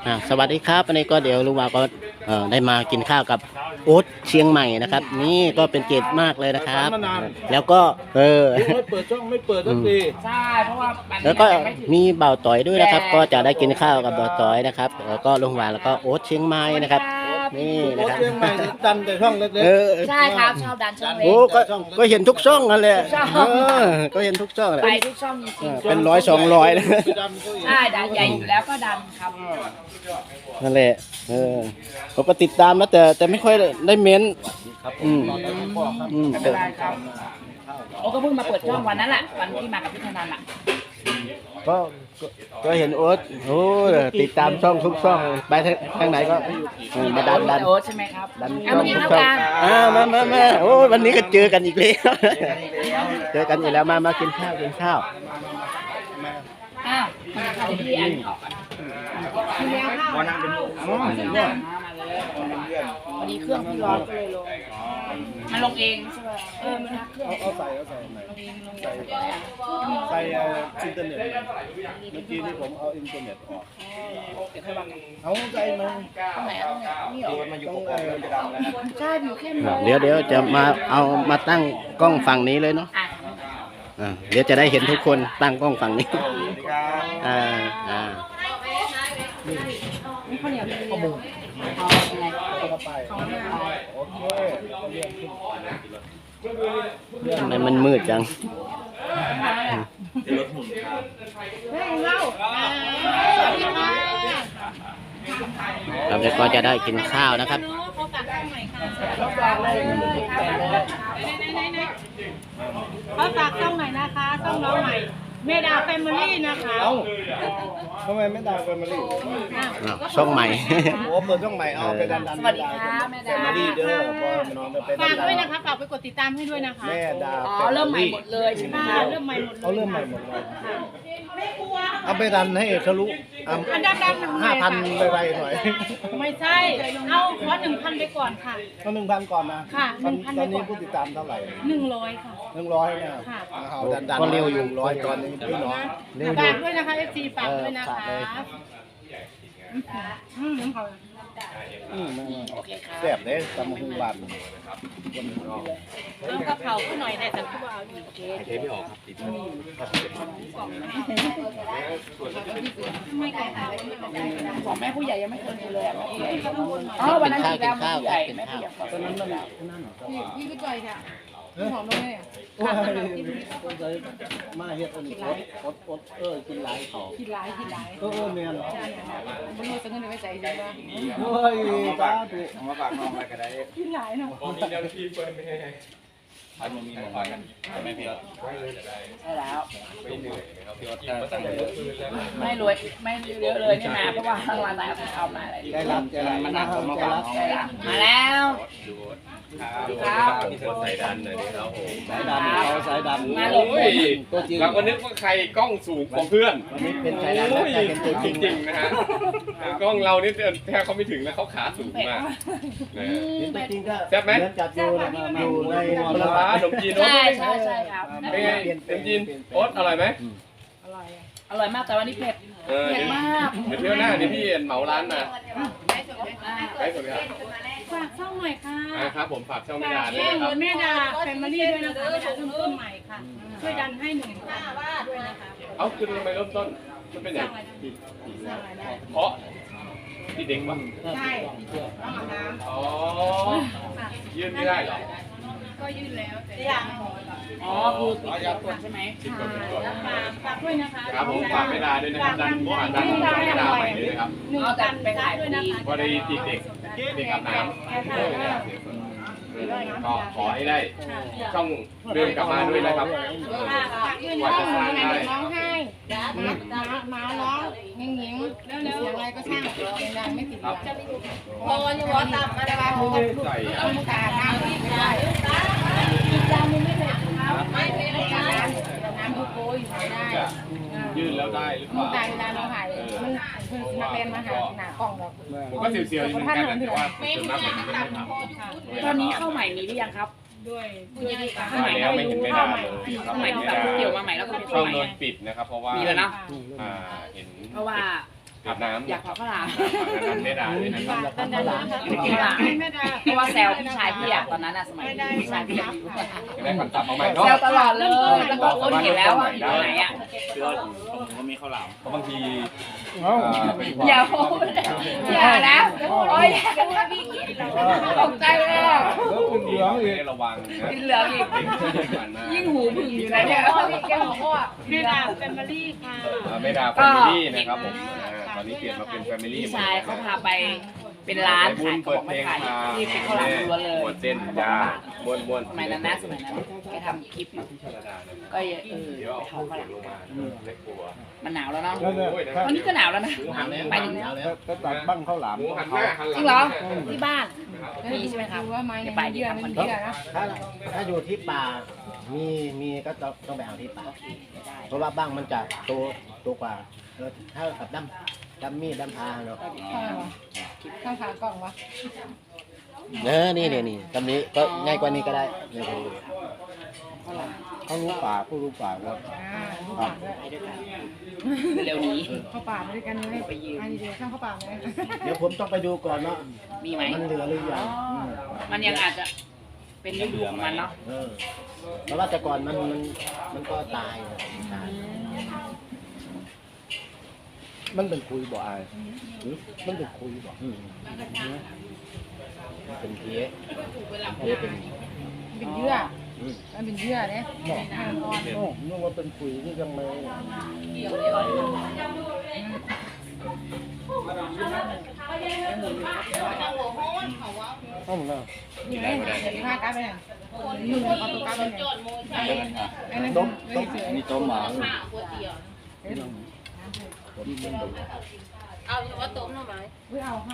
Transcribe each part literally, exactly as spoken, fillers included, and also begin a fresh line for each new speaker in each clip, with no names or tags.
อ่าสวัสดีครับวันนี้ก็เดี๋ยวลุงวาก็เอ่อได้มากินข้าวกับโอ๊ตเชียงใหม่นะครับนี่ก็เป็นเกียรติมากเลยนะครับ แล้วก็เออ
ไม่เปิดช่องไม่เปิดสักที
ใช่เพราะว่ามัน
แล้วก็
ยังไม่ถึง
มีเบาต่อยด้วยนะครับ ก็จะได้กินข้าวกับเบาต่อยนะครับแล้วก็ลุงวาแล้วก็โอ๊ตเชียงใหม่นะครับนี่
โอ้
นะครับ
เชียงใหม่นี่ดันแต่ช่องเล็ก
เออ
ใช่ครับชอบดันช่องเล็
โอ้
ก
ก็ก็เห็นทุกช่องนั่นแหละ
ทุกช่อง
เออก็เห็นทุกช่องแหละ
ไปทุกช่องจริง
เออเป็นร้อยสองร้อยเลย
ๆดันก็อีก
ๆใช่ดันใหญ่อยู่แล้วก็ดันครับ
นั่นแหละเออผมก็ติดตามนะแต่แต่ไม่ค่อยได้เม้นอืมอืม
ไม่เป็นไรครับโอ้ก็เพิ่งมาเปิดช่องวันนั้นแหละวันที่มากับพี่ธนันแหละ
ก็ก็ก็เห็นโอ๊ตโอ้ติดตามช่องทุกช่องไปทางทางไหนก็เออมาดันดัน
โอ๊ตใช่ไหมครับ
ดัน
เอามากิน
ทุก
ข้าว
ช่อง
กัน
อ่ามามามาโอ้วันนี้ก็เจอกันอีกแล้วเจอกันอีกแล้วมามากินข้าวกินข้าว
อ้าวเอาพี่อันออกก่อนพี่แมวข้าวนั่งเป็นอ๋อมาเลยวันนี้เครื่องพี่ร้อนก็เลยลงมันลงเองใช่ไหมเออมันเครื่อง
เอาเอาใส่เอาใส่ใหม่
ลงเองลงเอง
ใส่เอ่ออินเทอร์เน็ตเมื่อกี้ที่ผมเอาอินเทอร์เน็ตออก
เดี๋ยวค่อยว่ากัน
เอาใจมัน
ตรงไหนอ่ะตรงไหนนี่เหรอ
มันอยู่ตรงไหนมันจะดังแล้ว
ใช่อยู่แค่นี้
เดี๋ยวเดี๋ยวจะมาเอามาตั้งกล้องฝั่งนี้เลยเนาะ
อ่ะ
อ่าเดี๋ยวจะได้เห็นทุกคนตั้งกล้องฝั่งนี้อ่าอ่า
นี่ข้าวเหนียวข้าวหมูเอายังไง
เข้าไปโอเค
ทำไมมันมืดจัง
เฮ้ยเล่า
เราจะก็จะได้กินข้าวนะครับ
เขาฝากช่องใหม่นะคะช่องน้องใหม่เมดาแฟมิลี่นะคะ
เอ้าทำไมไม่ดังแฟมิลี่
อ่ะ
อ้าวช่องใหม่
โอ้เปิดช่องใหม่เอาไปดันดัน
สวัสดีค่ะแม่
แฟ
ดา
มิลี่เด้อพอน้องจะไป
ฝาก
ดั
ด้วย
น
นะคะฝากไปกดติดตามให้ด้วยนะคะ
แม่ดา
อ๋อเริ่มใหม่หมดเลยใช่ไหม
ค่ะ
คะ
เริ่มใหม่หมดเลย
เอาเริ่มใหม่หมดเลย
ค่ะ
เอาไปดันให้ทะลุ
อันดับๆหนึ่ง
ห้าพัน
เลย
ไป
ค่ะ
ๆหน่อย
ไม่ใช่เอาขอหนึ่งพันไปก่อนค่ะ
ก็หนึ่งพันก่อนนะ
ค่ะ
ตอน
หนึ่งพัน
ตอนนี้
ไปก่อน
ผู้ติดตามเท่าไหร่
หนึ่งร้อยค่ะ
หนึ่งร้อยเนี่ย
ค่ะ
เอาดันดัน
ก็เร็วอยู่
ร้อยตอนนี้พี่น้อง
เร็วอยู่
ฝากด้วยนะคะเอฟซีฝากด้วยนะ
เออฝาก
คะ
เลย
อืมอืมเขา
อืม
โอเคครับ
แซ่บเด้ตำหูหวาน
เอากระเพราขึ้นหน่อยแต่แต่ผู้เอาอยู่
โอเคเทไม่ออกครับของแม่ผู้ใหญ่ยังไม่เคยดูเลยอ่ะอ๋อวันนั้นอีกแล้วแม่ผู้ใหญ่แม่ผู้ใหญ่ตอนนั้นนั่นแหละ
พี่พี่จ่อยค่ะพี่หอมลงเลย
โอ้ยคนใจมาเฮ็ดอันนี้อดอดเออกินหลายเขา
คิดร้ายคิดร้าย
เออเออแม่น
มันมีสังเงินไว้ใจใช่ไหม
โอ้ยตาตุ
เอามาฝากน้องไว้ก็ได้
คิดร้ายเนาะ
ผมมีเจ้าหน้าที่เปิดไม่ให้พันมันมีหมดกันไม่พี่ออด
ใช่แล้ว
ไม่เหนื่อยครับพี่ออดถ้าตั้งเยอะ
ไม่รวยไม่เยอะเลยนี่มาเพราะว่าทางร้านไหนเอามาอะไร
ใจรักใจรัก
มันหนักผมมา
ใจ
ฝาก
รัก
น้อง
ใช่ละมาแล้ว
ดูครับพี่เธอใส่ดันหน่อยนี่ครับผม
สายดำเขาสายดำ
มาลง
โอ้ยเราก็นึกว่าใครกล้องสูงกว่าเพื่อน
วันนี้เป็นสายดำแล้วแต่เป็นตัวจ
จ
ริง
ริงๆนะฮะกล้องเรานี่แทบเขาไม่ถึงแล้วเขาขาสูงมากนะ
เป็นตัวจริงก็
แซ่บไหม
เดินจัดอยู่อยู่ใน
ปลาร้าขนมจีนโอ๊ต
ใช่ใช่ใช่ครับ
เป็นไงขนมจีนโอ๊ตอร่อยไหม
อร่อยมากแต่วันนี้เผ็ด
เออ
เผ็ดมาก
เดี๋ยวเที่ยวหน้าเดี๋ยวพี่เหมาร้านมาได้สดครับ
ฝากช่องหน่อยค่ะ
อ่าครับผมฝากช่องไม่
ฝา
ดาก ด้วย
ช่อง
นะครับ
แม่ดาแฟมิลี่ด้วยนะคะแม่ดาเริ่มต้นใหม่ค่ะ ช่วยดันให้หนึ่งพันด้วยนะคะ
เอ้าคือทำไมเริ่มต้นมันเป็นอย่าง
สร้างรายได้
เพราะที่เด็กวะ
ใช่ต้องอาบน้
อ๋อ
ำค่ะ
ยื่นไม่ได้เหรอ
ก็ยื่นแล้วแต่ยัง
อ๋อคือปิดเสียงกดใช่ไหม
ติดก่อนติดก่อน
ฝากฝากด้วยนะคะ
ครับผมฝากไม่ดาด้วยนะครับดันหม้อดันหม้อไม่ดาใหม่ด้วยนะครับ
หนึ่งพันไปขายด้วยนะคะ
พอได้ติดเด็กเด็กอาบน้ำก็ขอให้ได้ช่องเดินกลับมาด้วยนะครับ
ฝากด้วยนะคะหนูจะร้องไห้หมาหมาร้องหญิงหญิงแล้วเสียงอะไรก็ช่างเสียงดังไม่ติดดังพอวันนี้วอตับมาได้ไหมผมก็พูดเอามุกตาน้ำไม่ได้อีกจานนึงไม่ได้ไม่ไม่ได้น้ำทุกโกยไม่ได้
ยื่นแล้วได้หรือเป
มุก
ล่า
ตาเวลาเราถ่ายมันเพิ่งมาเป็นมาหาหนากล้องเรา
ผมก็เสียวๆอยู่เหมือนกันแต่ว่าส่วนมากผมไม่ได้ทำ
ตอนนี้เข้าใหม่มีหรือยังครับ
ด้วยผู้ใหญ่
เข้าใหม่
แล้วไม่เห็นไม่ได้เลย
เข้าใหม่ที่แบบเกี่ยวมาใหม่แล้วก็เป็น
ช่
เข้า
อง
ใหม่
โดนปิดนะครับเพราะว่า
มีแล้วนะ
อ่าเห็น
เพราะว่า
อาบน้ำ
อยากขอข้าวหลาม
นั้นไม่ได้เลยนะครับ
ตอนนั้นนะคะ
ข้าวหลาม
ไม่ได้
เพราะว่าแซวพี่ชายพี่อะตอนนั้นอะสมัยพี่ชายพี่อะ
จะได้คำศัพท์มาใหม่เนาะ
แซวตลอดเลยแล้วก็คนเห็นแล้วว่าอยู่ตรงไหนอะ
คือผมก็มีข้าวหลาม
เพราะบางที
เอ้า
อย่าพูดอย่านะโอ้ยอย่ากันว่าพี่กินตกใจเลยอะ
แล้วคุณเหลืองอีก
ให้ระวังนะ
กินเหลืองอีกยิ่งหูผึ่งอยู่นะเนี่ยแกบอกว่า
แม่ดาแฟมิลี่ค่ะ
ไม่ดาแฟมิลี่นะครับผมตอนนี้เปลี่ยนมาเป็นแฟมิลี่
พี่ชายเขาพาไปเป็นร้านขายเขา
เปิ
บ
ด
อก
เพล
ไม่
ง
ขาย
มา
ที่เป็นข้าวหลามล้วนเลย
มวนเส้นจ้าม้วนม้วน
สมัยนั้นนะสมัยนั้นแกทำคลิปอยู่ก็เออ
เดี๋ยว
ไป
เอา
เผาข้าวหลาม
ลงมาไม่กลัว
มันหนาวแล้วเนาะ
นั่นเนี่ยถ้า
วันนี้ก็หนาวแล้วนะ
หนาวแล้ว
ไปถึง
หนาวแล้ว
ถ้าตัดบ้างข้าวหลาม
หมูหันหน้าหันหลั
จริงเหรอที่บ้านมีใช่ไหมครับ
ดูว่าไม้
จะ
ใน
ไป
เยื่อ
ทำ
มั
คอน นเท
เยื่
น
อ
ต์
นะ
ถ้าถ้าอยู่ที่ป่ามีมีก็ต้องต้องไปเอาที่ป่า เพราะว่าบ้างมันจะโตโตกว่าเออถ้ากับดำดำมีดดำพาเนาะ
ข้างวะข้างขากล่องวะ
เออนี่นี่นี่ตำนี้ก็ง่ายกว่านี้ก็ได้ง่ายกว่านี้
เขารู้ป่าผู้รู้ป่าครับ
อ่าลูกป่าด้วย
ไปด้วยกันเร็วนี้
เข้าป่ามาด้วยกันเลยไปยืนอันนี้เดี๋ยวข้างเข้าป่าเลย
เดี๋ยวผมต้องไปดูก่อนเนาะ
มีไหม
มันเหลือหรือยังม
มันยังอาจจะเป็นฤดูของมันเนาะ
เออเพราะว่าแต่ก่อนมันมันมันก็ตายนะตาย
มันเป็นคุยบ่อายหรือมันเป็นคุยบ่
อืมเป็นเพี้ยเพี้ยเป็น
เป็นเยื่อ
อืม
มันเป็นเยื่อเนี่ยอ่อนอ่อน
โอ้นึกว่าเป็นคุยที่ยังไม่ ห้องน่ะ
นี่ไงเดี๋ยวข้ากลับไปเนี่ยยืนเอาตัวกลับไปเนี่ยอันนั้น
ต้ม
ไม่
ต้ม
เสือ
มีต้มหมา
เอาว่าต้มหน่อไม้ไม่เอาค่ะ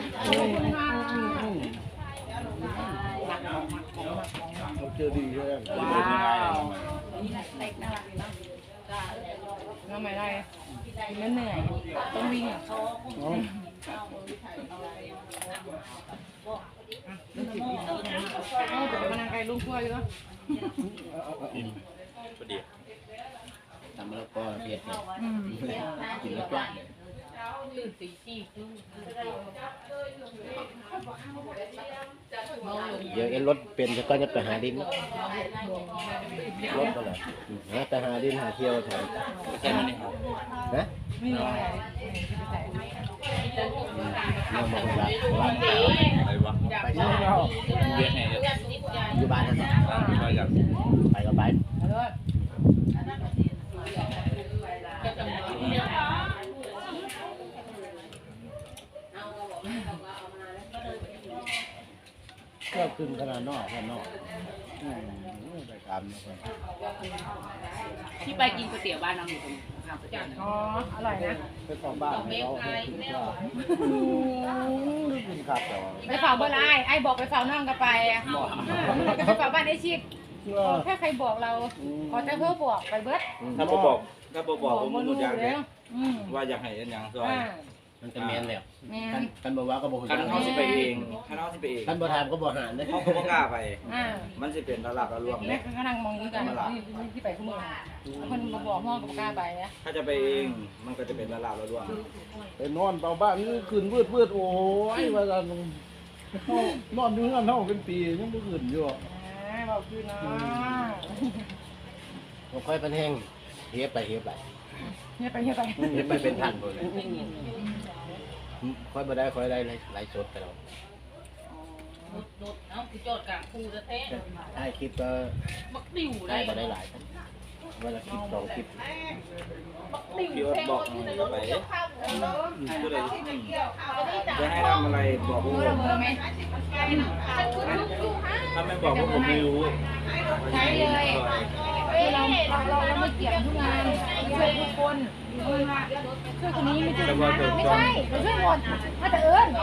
เราเจอดีใช่ไหม
ว้าวเล็กน่ารักดีเนาะ
ทำไมได้กินแล้วเหนื่อยต้องวิ่งอ่ะเอาแต่เป็นนางไก่ลูกขั้วอยู่แล้ว
ทำแล้วก็เพี้ยเนี่ย
อืม
กินแล้วจ้าเลยเดี๋ยวเอ็นรถเป็นก็จะไปหาดินรถก็เลยฮะไปหาดินหาเที่ยวแถวนะ
ไม่มีอะไร
เนี่ยมาคนละร้าน
อะไรวะ
ไปใช่
เรียกไงเนี่ย
อยู่บ้านนั่น
มาจาก
ไปก็ไป
เอาเลย
ก็ขึ้นขนาดนอกขนาดนอกอืมไปตามนะครับ
ที่ไปกินก๋วยเตี๋ยวบ้านน้องอยู่ตรงข้ามก๋วยเตี๋ยวนะ
อ๋ออร่อยนะ
ไปของบ้านเขาขึ้นข้าวขึ้นครับแต่ว่า
ไปเฝ้าเบอร์ไลน์ไอ้บอกไปเฝ้าน้องก็ไปอ่ะไปเฝ้าบ้านไอ้ชิดแค่ใครบอกเราขอแต่เพื่อบอกไปเบิร์ด
ถ้าบบอกถ้าบบอกผมมันหมดอย่าง
เล
เลย ย
อืม
ว่าอยากให้ยังซอย
อ่า
มันจะแมนแล้ว
แม่
กันกันบอกว่าก็บอก
คันเขาสิไปเองคันเขาสิไปเอง
กันบ่ถามก็บ่หานเลย
เขาก็บ่กล้าไป
อ่า
มันสิเป็นระลับระลวง
แม่
เนี่ย
ก็นั่งมองอยู่กันนี่ที่ไปขึ้นมือคนมาบอกห้องกับกล้าไปนะ
ถ้าจะไปเองมันก็จะเป็นระลับระลวง
ไปนอนเตาบ้านนี่ขึ้นวืดวืดโอ้ยว่าจะนอนอยู่นั่นเท่าเป็นปียังไม่ขึ้นอยู่
อ่าบอกคือเนาะ
ผมค่อยเป็นแห้งเฮียไปเฮียไป
เฮียไปเฮียไป
เฮียไปเป็นพันหมดเลยค่อยมาได้ค่อยได้ไลฟ์สดไปแล้วได้คลิปก็ได้มาได้หลายครับวันละคลิปสองคลิป
พี่ว่าบอกหน่อยไปก็เลยจะให้ทำอะไรบอกผม
เบอร์เบอร์ไหม
ถ้าไม่บอกผมไม่รู้
ใช้เลยคือเราเราเราเราไม่เกี่ยงทุกงานช่วยทุกคนช่วยคนนี้ไม่ช่วยคนนั้นไม่ใช่เราช่วยหมดถ้าจะเอิญ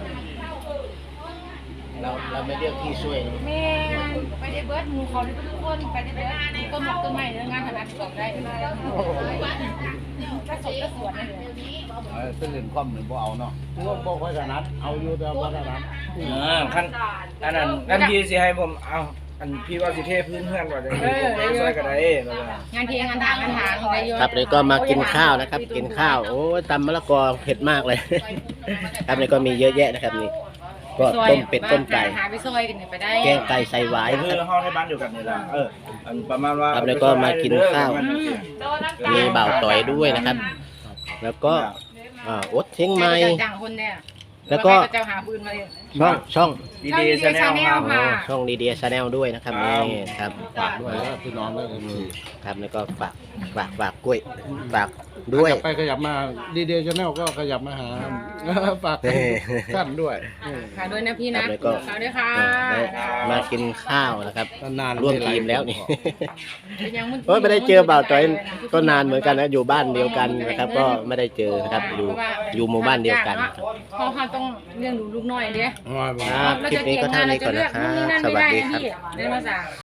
เราเราไม่เรียกที่ช่วย
แม่ไปได้เบิร์ดหมูเขาได้ทุกคนไปได้เบิร์ดต้นหมอกต้นไม้เรื่องงานขนาดสองได้เลยก็สดก็สวนเลย
เออเป็นเล่นความเหมือนบ่เอาเนาะว่าบ่ค่อยถนัดเอาอยู่แต่บ่ถนัด
เออขั้นอันนั้นขั้นที่สิให้ผมเอาอันพี่ว่าสิเทพื้นเพื่อนว่าจะช่วยกันได้แล้วก็
งานเทียงงานถางงานถางอะไรเยอะ
ครับนี่ก็มากินข้าวนะครับ กินข้าวโอ้ยตำมะละกอเผ็ดมากเลย ครับนี่ก็มีเยอะแยะนะครับนี่ก็ต้มเป็ดต้มไก่
หาไปซอยกันไปได้
แกงไก่ใส่หวายนะ
คื
ค
อ
รับ
ห้องให้บ้านอยู่กันนี่ล่ะเอออันประมาณว่า
ครับแล้วก็มากินข้าว มีเบาต่อยด้วยนะครับ แล้วก็อ่าอดเชียงใหม่
จังคนเนี่ย
แล้วก็
เจ้าหาปืนมาเลย
ช่องช่อง
ดีดีชาแนลครับ
อ๋อช่องดีเดียชาแนลด้วยนะครับ
ครับ
นี่ครับ
ฝากด้วยนะพี่น้องด้วย
อืมครับแล้วก็ฝากฝากฝากกล้วยฝากด้วย
ไปขยับมาดีเดย์ชาแนลก็ขยับมาหา ฝากท่านด้วย
ค่ะด้วยนะพี่นะ
ครับแล้วก็
ค่ะด้วยค่ะ
ได้มากินข้าวนะครับ
นานๆ
ร่วมทีมแล้วนี่
ยังน
โอ้ยไม่ได้เจอบ่าวจอยก็นานเหมือนกันนะอยู่บ้านเดียวกันนะครับ ก็ไม่ได้เจอนะครับอยู่อยู่หมู่บ้านเดียวกันครับ
เพราะเขาต้องเลี้ยงดูลูกน้อยเด้
ครับคลิปนี้ก็เท่านี้ก่อนนะครับ สวัสดีครับ
เรียนภาษา